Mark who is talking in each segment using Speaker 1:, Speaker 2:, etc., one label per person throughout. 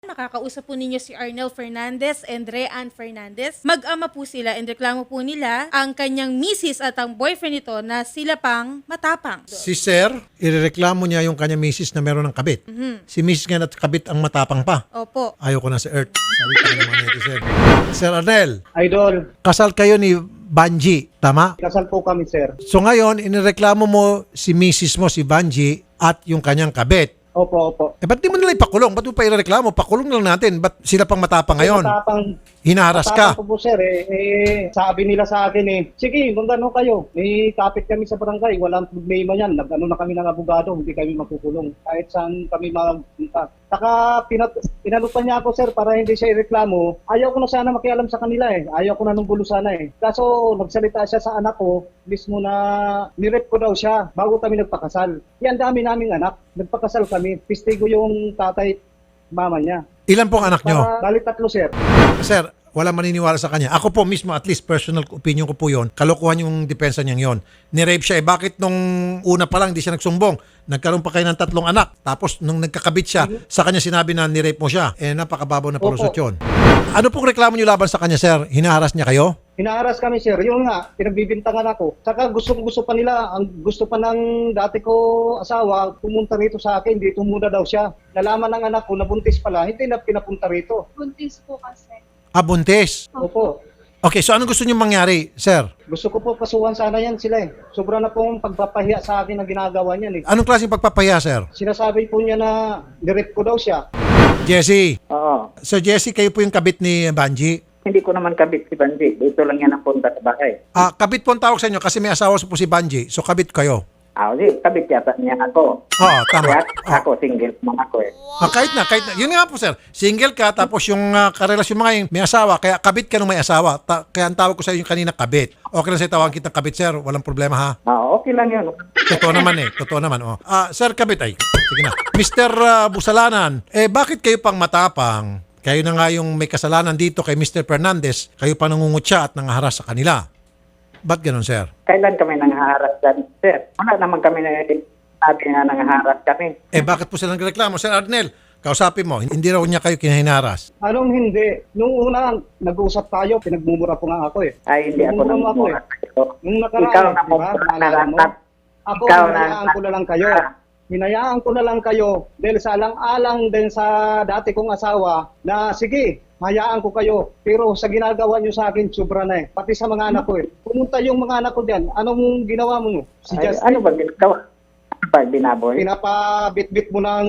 Speaker 1: Makakausap po ninyo si Arnel Fernandez and Rean Fernandez. Mag-ama po sila and reklamo po nila ang kanyang misis at ang boyfriend nito na sila pang matapang.
Speaker 2: Si Sir, irereklamo niya yung kanya misis na meron ng kabit. Si misis nga at kabit ang matapang pa.
Speaker 1: Opo.
Speaker 2: Ayoko na sa Earth. Sabi ko naman netizen. Sir Arnel,
Speaker 3: Idol,
Speaker 2: kasal kayo ni Banji, tama?
Speaker 3: kasal po kami, sir.
Speaker 2: So ngayon, inireklamo mo si misis mo, si Banji, at yung kanyang kabit.
Speaker 3: Opo, opo.
Speaker 2: Eh, ba't di mo nila ipakulong? Ba't mo pa irereklamo? Pakulong lang natin. Ba't sila pang matapang ngayon? Hinaharas ka.
Speaker 3: Matapang po, sir. Sabi nila sa akin sige, kung gano'n kayo. Kapit kami sa barangay. Walang problema yan. Nag-ano na kami ng abogado. Hindi kami magkukulong. Kahit saan kami magpunta. Saka pinalupan niya ako, sir, para hindi siya ireklamo. Ayaw ko na sana makialam sa kanila Ayaw ko na nung gulo sana Kaso nagsalita siya sa anak ko, mismo na nirep ko daw siya bago kami nagpakasal. Yan dami naming anak. Nagpakasal kami. Pistigo yung tatay, mama niya.
Speaker 2: Ilan pong anak nyo?
Speaker 3: Bali 3, sir.
Speaker 2: Sir, wala maniniwala sa kanya. Ako po mismo, at least personal opinion ko po yon. Kalokohan yung depensa niyang yon. Ni-rape siya. Bakit nung una pa lang hindi siya nagsumbong? Nagkaroon pa kayo ng 3 anak. Tapos nung nagkakabit siya, sa kanya sinabi na ni-rape mo siya. Napakababaw na palusot yun. Ano pong reklamo niyo laban sa kanya, sir? Hinaharas niya kayo?
Speaker 3: Hinaharas kami, sir. Yun nga, pinagbibintangan ako. Saka gusto pa nila, ang gusto pa ng dati ko asawa, pumunta rito sa akin, dito muna daw siya. Nalaman ng anak ko, nabuntis pala, hindi na pinapunta rito.
Speaker 4: Buntis po kasi.
Speaker 2: Buntis.
Speaker 3: Opo.
Speaker 2: Okay, so anong gusto niyo mangyari, sir?
Speaker 3: Gusto ko po kasuhan sana yan sila Sobra na pong pagpapahiya sa akin ang ginagawa niyan
Speaker 2: Anong klaseng pagpapahiya, sir?
Speaker 3: Sinasabi po niya na direct ko daw siya.
Speaker 2: Jesse.
Speaker 5: Oo.
Speaker 2: Sir Jesse, kayo po yung kabit ni Banji.
Speaker 5: Hindi ko naman kabit si Banji. Dito lang yan ang punta sa bahay.
Speaker 2: Kabit po ang tawag sa inyo kasi may asawa po si Banji. So kabit kayo.
Speaker 5: Hindi. Kabit yata niya ako.
Speaker 2: Oo, tama.
Speaker 5: Kaya ako, single naman ako
Speaker 2: Kahit na. Yun nga po, sir. Single ka, tapos yung karelasyon mo ngayon, may asawa, kaya kabit ka nung may asawa. Kaya ang tawag ko sa inyo kanina, kabit. Okay lang sa'yo tawagin kita kabit, sir. Walang problema, ha?
Speaker 5: Okay lang yun.
Speaker 2: Totoo naman Totoo naman, sir, kabit ay. Sige na. Mr. Busalanan, bakit kayo pang matapang? Kayo na nga yung may kasalanan dito kay Mr. Fernandez. Kayo pa nangungutya at nangaharas sa kanila. Ba't ganun, sir?
Speaker 5: Kailan kami nanghaharas dyan, sir? Wala naman kami sabi na nanghaharas kami.
Speaker 2: Bakit po sila nagreklamo? Sir Arnel, kausapin mo, hindi raw niya kayo kinahinaras.
Speaker 3: Anong hindi? Nung una, nag-uusap tayo, pinagmumura po nga ako
Speaker 5: Ay, hindi ako
Speaker 3: Pinagmumura
Speaker 5: namumura sa'yo.
Speaker 3: Nung nakaraan,
Speaker 5: Ikaw na
Speaker 3: di ba?
Speaker 5: mumura na
Speaker 3: Naalala mo?
Speaker 5: lang.
Speaker 3: Ako,
Speaker 5: Ikaw
Speaker 3: hinayaan ko na lang kayo. Hinayaan ko na lang kayo dahil sa alang-alang din sa dati kong asawa na sige, hayaan ko kayo. Pero sa ginagawa nyo sa akin, sobra na Pati sa mga anak ko Pumunta yung mga anak ko dyan. Anong ginawa mo? Si
Speaker 5: Ay,
Speaker 3: Justin,
Speaker 5: ano ba ginagawa? Ano ba binaboy?
Speaker 3: pinapabit-bit mo ng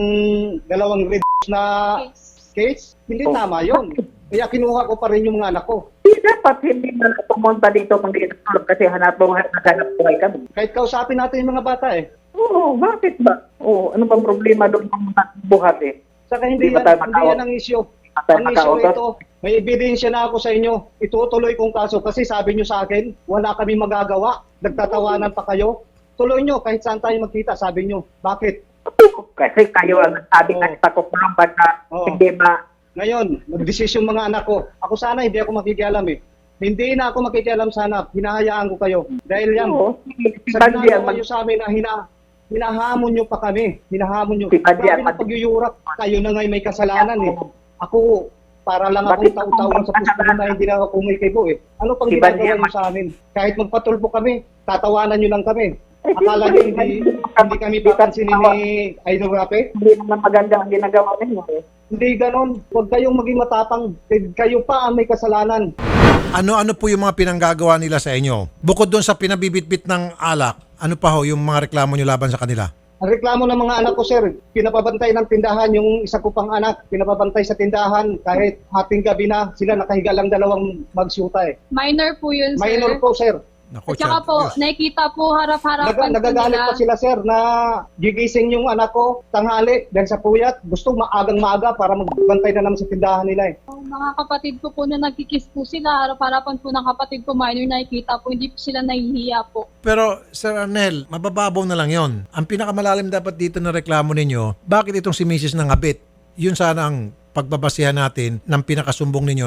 Speaker 3: 2 red na case? Hindi tama yon. Kaya kinuha ko pa rin yung mga anak ko.
Speaker 5: Dapat hindi na pumunta dito kung di natulog kasi hanap buhay kami.
Speaker 3: Kahit kausapin natin yung mga bata
Speaker 5: Oo, bakit ba? Ano bang problema doon ng buhat
Speaker 3: Saka hindi
Speaker 5: Hindi ba
Speaker 3: yan,
Speaker 5: tayo
Speaker 3: hindi
Speaker 5: makautot?
Speaker 3: yan ang issue.
Speaker 5: tayo
Speaker 3: Ang issue
Speaker 5: makautot?
Speaker 3: ito, may ebidensya na ako sa inyo. Itutuloy kong kaso kasi sabi nyo sa akin, wala kami magagawa. Nagtatawanan pa kayo. Tuloy nyo kahit saan tayo magkita, sabi nyo. Bakit?
Speaker 5: Kasi kayo ang sabi na itakukulong ba't na hindi ba?
Speaker 3: Ngayon, magdesisyon mga anak ko. Ako sana hindi ako makikialam Hindi na ako makikialam sana. Hinahayaan ko kayo. Dahil yan,
Speaker 5: Si
Speaker 3: sa
Speaker 5: Banji
Speaker 3: ginagawa nyo sa amin na hinahamon nyo pa kami. Hinahamon nyo.
Speaker 5: Si Banji
Speaker 3: Sabi na pagyuyurak, kayo na nga'y may kasalanan Ako, para lang akong tao-tao sa pusto na hindi na ako kumikibo Ano pang
Speaker 5: Si
Speaker 3: ginagawa
Speaker 5: Banji
Speaker 3: nyo sa amin? Kahit magpatulpo kami, tatawanan nyo lang kami. Akala nyo hindi kami papansinin ni Idol Rape?
Speaker 5: Hindi naman maganda ang ginagawa ninyo
Speaker 3: Hindi ganon. Huwag kayong maging matapang. Kayo pa ang may kasalanan.
Speaker 2: Ano po yung mga pinanggagawa nila sa inyo? Bukod doon sa pinabibitbit ng alak, ano pa ho yung mga reklamo nyo laban sa kanila?
Speaker 3: Ang reklamo ng mga anak ko, sir, pinapabantay ng tindahan yung isa ko pang anak, pinapabantay sa tindahan kahit ating gabi na sila nakahiga lang 2 magsyuta
Speaker 4: Minor po yun, sir.
Speaker 3: Minor po, sir.
Speaker 2: Naku,
Speaker 4: At saka po,
Speaker 2: Diyos.
Speaker 4: nakikita po harap-harapan po
Speaker 3: Nagagalit
Speaker 4: nila.
Speaker 3: pa sila, sir, na gigising yung anak ko tanghali dahil sa puyat. Gusto maagang maaga para magbantay na naman sa tindahan nila
Speaker 4: Mga kapatid ko po na nagkikiss po sila, harap-harapan po ng kapatid ko, minor nakikita po, hindi po sila nahihiya po.
Speaker 2: Pero, Sir Arnel, mabababaw na lang yon. Ang pinakamalalim dapat dito na reklamo ninyo, bakit itong si Mrs. Nangabit? Yun sana ang pagbabasihan natin ng pinakasumbong ninyo ng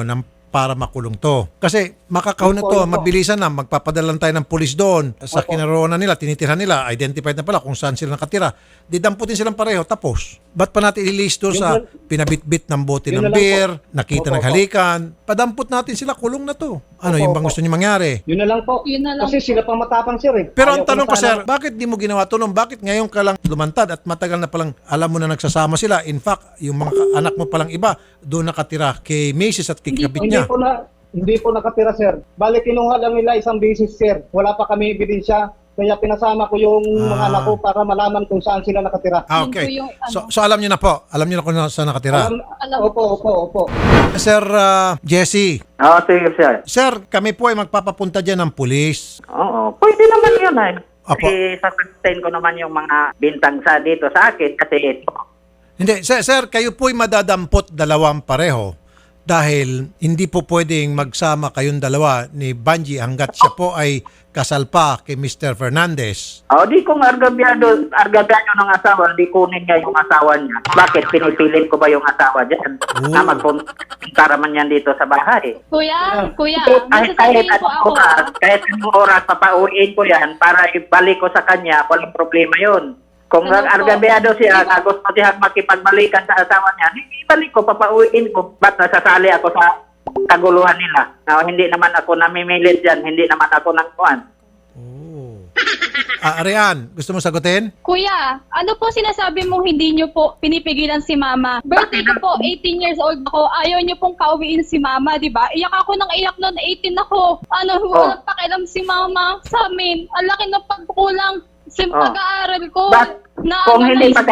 Speaker 2: para makulong to. Kasi makakahon na to,
Speaker 3: Opo.
Speaker 2: mabilisan na, magpapadala tayo ng pulis doon. Sa
Speaker 3: Opo.
Speaker 2: kinaroonan nila, tinitirhan nila, identified na pala kung saan sila nakatira. Didamputin silang pareho, tapos. Ba't pa natin ililist doon
Speaker 3: Yun
Speaker 2: sa
Speaker 3: lang.
Speaker 2: pinabitbit ng bote
Speaker 3: Yun
Speaker 2: ng
Speaker 3: na lang
Speaker 2: beer,
Speaker 3: po.
Speaker 2: nakita
Speaker 3: Opo,
Speaker 2: naghalikan, padampot natin sila, kulong na to. Ano,
Speaker 3: Opo,
Speaker 2: yung bang
Speaker 3: opo.
Speaker 2: gusto niyo mangyari?
Speaker 3: Yun na lang po.
Speaker 4: Yun na lang
Speaker 3: Kasi sila pang matapang, sir.
Speaker 2: Pero
Speaker 3: Ayaw
Speaker 2: ang tanong
Speaker 3: na
Speaker 2: ko,
Speaker 3: sana-
Speaker 2: sir, bakit di mo ginawa to nung? Bakit ngayon ka lang lumantad at matagal na palang alam mo na nagsasama sila? In fact, yung mga anak mo palang iba, doon nakatira kay Macy's at kay kabit niya.
Speaker 3: Hindi po nakatira, sir. Bali, kinuha lang nila isang beses, sir. Wala pa kami ebidensya. Kaya pinasama ko yung mga anak ko para malaman kung saan sila nakatira.
Speaker 2: Ah,
Speaker 4: Yun
Speaker 2: okay.
Speaker 4: po yung ano.
Speaker 2: So alam niyo na po. Alam niyo na kung saan nakatira.
Speaker 4: Alam-
Speaker 3: Opo.
Speaker 2: Sir Jesse,
Speaker 5: Oo, sige, sir.
Speaker 2: sir, kami po ay magpapapunta dyan ng pulis.
Speaker 5: Oo, pwede naman yun ay.
Speaker 2: Apo.
Speaker 5: Kasi sasagutin ko naman yung mga bintang sa dito sa akin kasi ito.
Speaker 2: Hindi, sir, kayo po ay madadampot dalawang pareho dahil hindi po pwedeng magsama kayong dalawa ni Banji hanggat siya po ay kasal pa kay Mr. Fernandez.
Speaker 5: Di kung argabyado ng asawa, di kunin niya yung asawa niya. Bakit? Pinipilit ko ba yung asawa dyan?
Speaker 2: Oo.
Speaker 5: Na magpunta naman yan dito sa bahay.
Speaker 4: Kuya,
Speaker 5: Kahit
Speaker 4: masasabihin po ako.
Speaker 5: kahit anong oras, papauwiin ko yan para ibalik ko sa kanya, walang problema yun. Kung
Speaker 4: Ano po?
Speaker 5: argabyado siya, na gusto siya makipagbalikan sa asawa niya, ibalik ko, papauwiin ko. Ba't nasasali ako sa kaguluhan nila? Hindi naman ako namimilit dyan, hindi naman ako nang kuhan.
Speaker 2: Oh. Arian, gusto mo sagutin?
Speaker 4: Kuya, ano po sinasabi mong hindi nyo po pinipigilan si mama? Birthday ko po, 18 years old ako. Ayaw nyo pong pauwiin si mama, di ba? Iyak ako ng iyak noon, 18 ako. Walang pakialam si mama sa amin. Ang laki ng pagkulang sa pag-aaral ko.
Speaker 5: But, kung hindi pa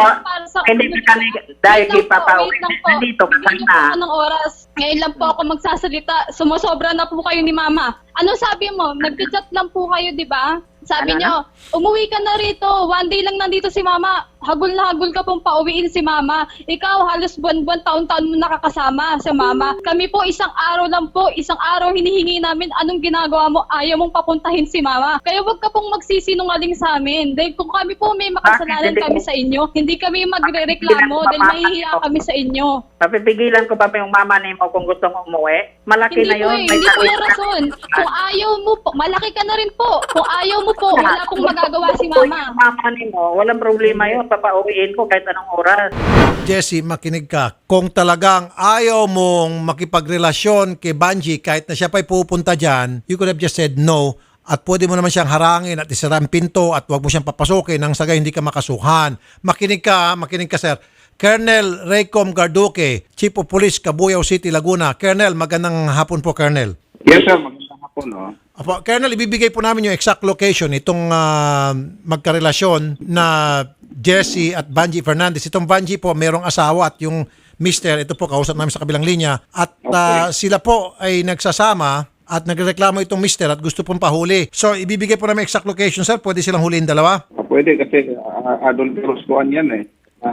Speaker 5: dahil ipapauwi, nandito ka na.
Speaker 4: Ng oras. Ngayon lang po ako magsasalita. Sumusobra na po kayo ni mama. Ano sabi mo? Nag-chat lang po kayo, di ba? Sabi
Speaker 5: Ano
Speaker 4: niyo, umuwi ka na rito. One day lang nandito si mama. Hagul na hagul ka pong pauwiin si mama. Ikaw, halos buwan-buwan, taon-taon mo nakakasama sa mama. Kami po, isang araw lang po. Isang araw hinihingi namin anong ginagawa mo. Ayaw mong papuntahin si mama. Kaya wag ka pong magsisinungaling sa amin. Dahil kung kami po may makasalanan kami sa inyo, hindi kami magre-reklamo dahil mahihiya kami sa inyo.
Speaker 5: Papipigilan ko pa yung mama ni mo kung gusto mo umuwi? Malaki
Speaker 4: Hindi
Speaker 5: na
Speaker 4: po
Speaker 5: yun.
Speaker 4: eh, hindi po yung rason. Kung ayaw mo po, malaki ka na rin po. Kung ayaw mo po, wala pong magagawa si mama.
Speaker 5: Yung mama ni mo, walang problema yun. Papauwiin ko kahit anong oras.
Speaker 2: Jesse, makinig ka. Kung talagang ayaw mong makipagrelasyon kay Banji kahit na siya pa'y pupunta dyan, you could have just said no at pwede mo naman siyang harangin at isara ang pinto at wag mo siyang papasukin nang sagay hindi ka makasuhan. Makinig ka, sir. Colonel Raycom Garduque, Chief of Police, Cabuyao City, Laguna. Colonel, magandang hapon po, Colonel.
Speaker 6: Yes, sir. Magandang hapon, no?
Speaker 2: Apo, Colonel, ibibigay po namin yung exact location itong magkarelasyon na Jesse at Banji Fernandez. Itong Banji po, merong asawa at yung mister, ito po, kausap namin sa kabilang linya. At sila po ay nagsasama at nagreklamo itong mister at gusto pong pahuli. So, ibibigay po namin exact location, sir. Pwede silang huliin dalawa?
Speaker 6: Pwede kasi adulterous kuan yan eh.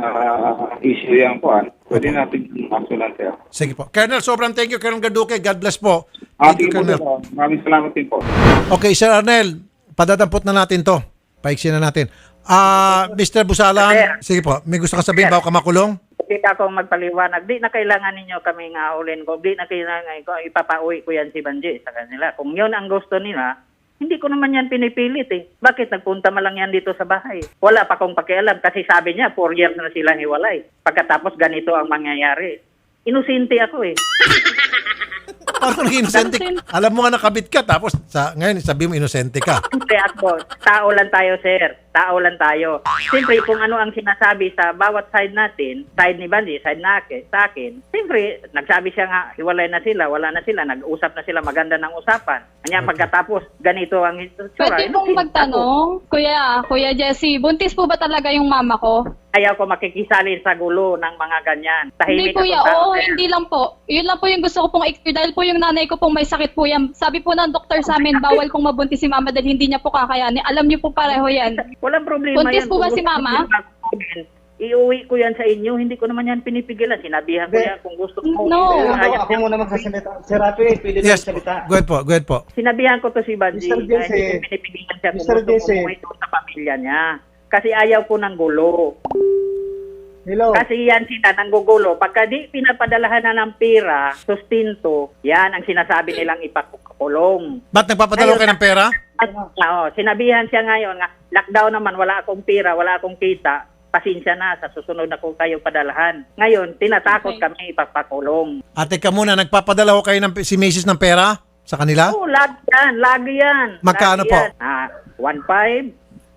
Speaker 6: Issue yan kuan. Pwede natin aksulan, sir.
Speaker 2: Sige po. Colonel, sobrang thank you, Colonel Garduque. God bless po.
Speaker 6: Sige po, sir. Maraming salamat din po.
Speaker 2: Okay, Sir Arnel, padadampot na natin to. Paiksin na natin. Mr. Busalan, sige po, may gusto ka sabihin bago ka makulong?
Speaker 5: Hindi ako magpaliwanag. Di na kailangan ninyo kami nga ulin ko. Di na kailangan ko. Ipapauwi ko yan si Banji sa kanila. Kung yun ang gusto nila, hindi ko naman yan pinipilit eh. Bakit nagpunta man lang yan dito sa bahay? Wala pa akong pakialam kasi sabi niya 4 years na silang hiwalay. Pagkatapos ganito ang mangyayari. Inosente ako eh.
Speaker 2: Parang inosente ka. Alam mo nga nakabit ka, tapos ngayon sabi mo inosente ka.
Speaker 5: Siyempre ako, tao lang tayo sir. Tao lang tayo. Siyempre kung ano ang sinasabi sa bawat side natin, side ni Banji, side na sa akin, siyempre nagsabi siya nga, hiwalay na sila, wala na sila, nag-usap na sila, maganda ng usapan. Kanya pagkatapos, ganito ang itsura.
Speaker 4: Pwede pong magtanong, Kuya Jesse, buntis po ba talaga yung mama ko?
Speaker 5: Ayaw ko makikisali sa gulo ng mga ganyan.
Speaker 4: Hindi
Speaker 5: Tahimik
Speaker 4: kuya,
Speaker 5: ako,
Speaker 4: oo,
Speaker 5: sir.
Speaker 4: hindi lang po. Yun lang po yung gusto ko pong i-clear dahil po yung nanay ko pong may sakit po yan. Sabi po ng doktor sa amin, bawal pong mabuntis si mama dahil hindi niya po kakayanin. Alam niyo po pareho yan.
Speaker 5: Walang problema
Speaker 4: Buntis
Speaker 5: yan.
Speaker 4: po ba
Speaker 5: Kung
Speaker 4: si mama?
Speaker 5: gusto mo, iuwi ko yan sa inyo. Hindi ko naman yan pinipigilan. Sinabihan ko yan kung gusto mo.
Speaker 4: No.
Speaker 3: Ako muna magsasalita. Sir Rafi, pwede na
Speaker 2: Yes,
Speaker 3: magsalita.
Speaker 2: go ahead po.
Speaker 5: Sinabihan ko to si Banji.
Speaker 3: Mr. Jesse.
Speaker 5: Hindi ko pinipigilan siya kung
Speaker 3: Mr.
Speaker 5: gusto
Speaker 3: Jesse.
Speaker 5: umuwi doon sa pamilya niya. Kasi ayaw ko ng gulo.
Speaker 3: Hello.
Speaker 5: Kasi yan sila nanggugulo. Pagka di pinapadalahan na ng pera, sustinto, yan ang sinasabi nilang ipakulong.
Speaker 2: Ba't nagpapadala kayo ng pera?
Speaker 5: Oo, sinabihan siya ngayon nga, lockdown naman, wala akong pera, wala akong kita. Pasensya na, sa susunod na ko kayo padalahan. Ngayon, tinatakot kami ipapakulong.
Speaker 2: Ate ka muna, nagpapadala ko kayo ng, si Macy's ng pera sa kanila?
Speaker 5: Oo, lagi yan.
Speaker 2: Magkano
Speaker 5: Lagi
Speaker 2: po?
Speaker 5: yan. 1,500,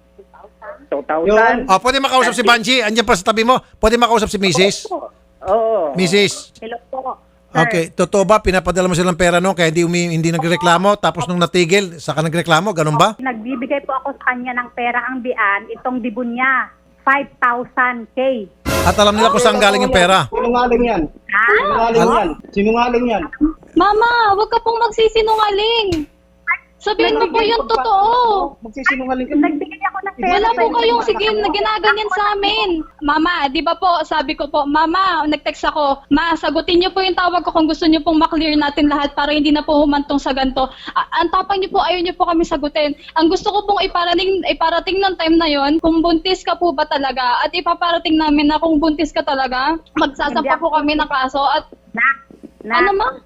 Speaker 5: 2,000.
Speaker 2: Pwede makausap si Banji. Andiyan pa sa tabi mo. Pwede makausap si Mrs.
Speaker 5: Oo.
Speaker 2: Mrs.
Speaker 7: Hello po.
Speaker 2: Okay, totoo ba pinapadala mo silang pera no kaya hindi nagreklamo tapos nung natigil saka nagreklamo, ganun ba?
Speaker 7: Nagbibigay po ako sa kanya ng pera ang bian, itong dibon niya, 5,000K.
Speaker 2: At alam nila kung saan galing yung pera.
Speaker 3: Sinungaling yan. Sinungaling yan. Sinungaling yan.
Speaker 4: Mama, wag ka pong magsisinungaling. Sabihin mo po yung totoo.
Speaker 3: Magsisinungaling ka.
Speaker 7: Nagbigay ako ng pera.
Speaker 4: Wala po kayong sige na ginaganyan sa amin. Mama, di ba po, sabi ko po, Mama, nag-text ako, Ma, sagutin niyo po yung tawag ko kung gusto niyo pong maklear natin lahat para hindi na po humantong sa ganito. Ang tapang niyo po, ayaw niyo po kami sagutin. Ang gusto ko pong iparating ng time na yon, kung buntis ka po ba talaga, at ipaparating namin na kung buntis ka talaga, magsasampa po kami ng kaso at ano ma?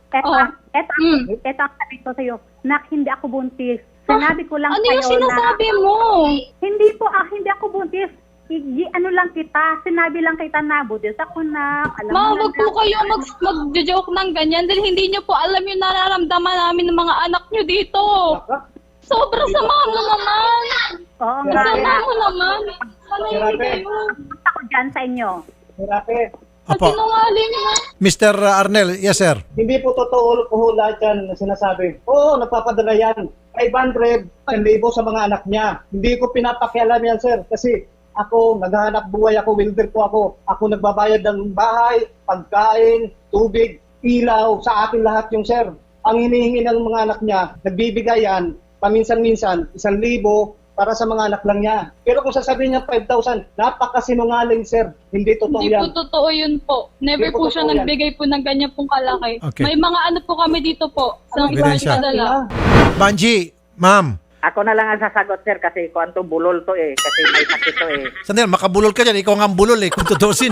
Speaker 7: Ito ang sabi ko sa'yo, Nak, hindi ako buntis. Sinabi ko lang
Speaker 4: ano
Speaker 7: sa'yo
Speaker 4: yung sinasabi mo?
Speaker 7: Hindi po, hindi ako buntis. Ano lang kita, sinabi lang kita na, buntis ako na.
Speaker 4: Ma, wag po kayo mag-joke ng ganyan dahil hindi niyo po alam yung nararamdaman namin ng mga anak niyo dito. Sobra sama mo naman.
Speaker 7: Oo nga.
Speaker 4: Sama mo naman. Manahimik kayo.
Speaker 7: Punta ko dyan sa inyo.
Speaker 3: Grabe.
Speaker 4: At
Speaker 2: Opo.
Speaker 4: sinungaling mo.
Speaker 2: Mr. Arnel, yes sir.
Speaker 3: Hindi po totoo po lahat yan na sinasabi. Oo, nagpapadala yan. 500, 1,000 sa mga anak niya. Hindi ko pinapakialam yan, sir. Kasi ako, naghahanap buhay ako, welder po ako. Ako nagbabayad ng bahay, pagkain, tubig, ilaw, sa akin lahat yung sir. Ang hinihingi ng mga anak niya, nagbibigay yan, paminsan-minsan, 1,000 para sa mga anak lang niya. Pero kung sasabihin niya 5,000, napakasinungaling, sir. Hindi totoo
Speaker 4: Hindi
Speaker 3: yan.
Speaker 4: po totoo yun po. Never
Speaker 3: Hindi
Speaker 4: po
Speaker 3: po
Speaker 4: siya
Speaker 3: totoo yan.
Speaker 4: nagbigay po ng ganyan pong kalaki.
Speaker 2: Okay.
Speaker 4: May mga ano po kami dito po. Sa
Speaker 2: Ebidensya.
Speaker 4: dala.
Speaker 2: Banji, ma'am.
Speaker 5: Ako na lang ang sasagot, sir, kasi kuwanto bulol to eh. Kasi may sakit to eh.
Speaker 2: Sandali, makabulol ka dyan. Ikaw nga ang bulol kung tutusin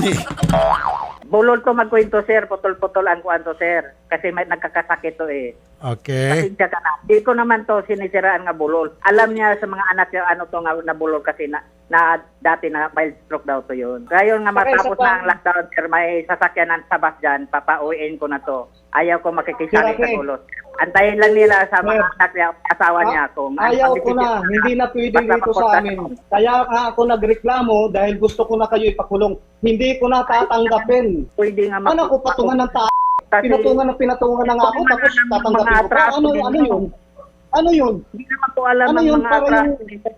Speaker 5: Bulol to magkwento, sir. Putol-putol ang kuwanto, sir. Kasi may nagkakasakit to eh.
Speaker 2: Okay.
Speaker 5: Pasensya ka na. Di ko naman to sinisiraan nga bulol. Alam niya sa mga anak niya ano to nga na bulol kasi na dati na mild stroke daw to yun. Kaya nga matapos na ang lockdown, sir, may sasakyanan sa bus dyan, papauwiin ko na to. Ayaw ko makikisali sa gulo. Antayin lang nila sa mga anak niya, asawa niya kung
Speaker 3: Ayaw ko na, hindi na pwede dito sa amin. Kaya nga ako nagreklamo dahil gusto ko na kayo ipakulong. Hindi ko na tatanggapin.
Speaker 5: Pwede nga
Speaker 3: Ano ko patungan ng pinatungan na nga ako tapos tatanggapin ko pa. Ano yun? Ano yun?
Speaker 5: Hindi naman po alam
Speaker 3: Ano
Speaker 5: ng
Speaker 3: yun?
Speaker 5: mga
Speaker 3: Para
Speaker 5: atraso.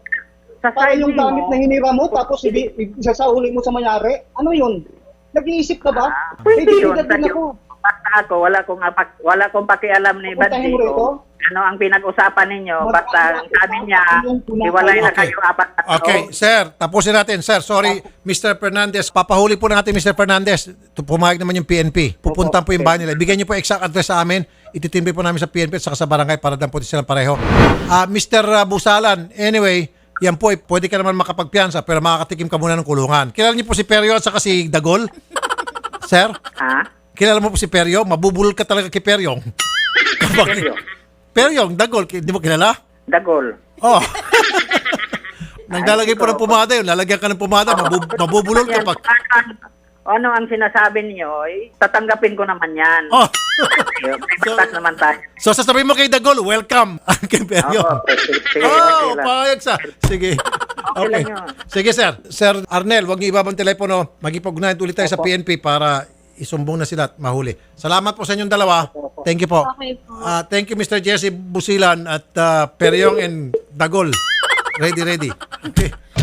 Speaker 5: Sa
Speaker 3: Para
Speaker 5: side
Speaker 3: yung
Speaker 5: mo,
Speaker 3: gamit na hinira mo tapos isasahuli mo sa mayari? Ano yun? Nag-iisip ka ba?
Speaker 5: pwede yun.
Speaker 3: Din ako.
Speaker 5: Basta ako, wala kong pakialam ni
Speaker 3: Pupuntahin
Speaker 5: Banji
Speaker 3: mo rito?
Speaker 5: ko. Ano ang pinag-usapan ninyo? Basta ang sabi niya, iwalay na
Speaker 2: Okay.
Speaker 5: kayo apat na tao.
Speaker 2: Okay, sir, tapusin natin. Sir, sorry, Mr. Fernandez. Papahuli po natin, Mr. Fernandez. Pumayag naman yung PNP. Pupuntan po yung bahay nila. Bigyan niyo po exact address sa amin. Ititimbre po namin sa PNP at saka sa barangay para dan po silang pareho. Mr. Busalan, anyway, yan po, pwede ka naman makapagpiansa pero makakatikim ka muna ng kulungan. Kilala niyo po si Perio at saka si Dagol? Sir?
Speaker 5: Ha?
Speaker 2: Kilala mo po si Perio? Mabubulol ka talaga kay Peryong.
Speaker 5: Seryo?
Speaker 2: Peryong, Dagol, di mo kilala?
Speaker 5: Dagol.
Speaker 2: Oh. Naglalagay po ng pumada yun. Lalagyan ka ng pumada, mabubulol ka pag...
Speaker 5: Ano ang sinasabi niyo? Tatanggapin ko naman yan.
Speaker 2: Oh.
Speaker 5: May batas naman tayo.
Speaker 2: So sasabihin mo kay Dagol, welcome. Kay Peryong.
Speaker 5: Sige,
Speaker 2: Oh,
Speaker 5: lang.
Speaker 2: payag sa. Sige. Okay.
Speaker 5: lang yun.
Speaker 2: Sige, sir. Sir Arnel, huwag niyo ibabang telepono. Magipag-ugnayan ulit tayo sa PNP para isumbong na sila at mahuli. Salamat po sa inyong dalawa. Thank you po.
Speaker 4: Okay po.
Speaker 2: Thank you, Mr. Jesse Busilan at Peryong and Dagol. Ready. Okay.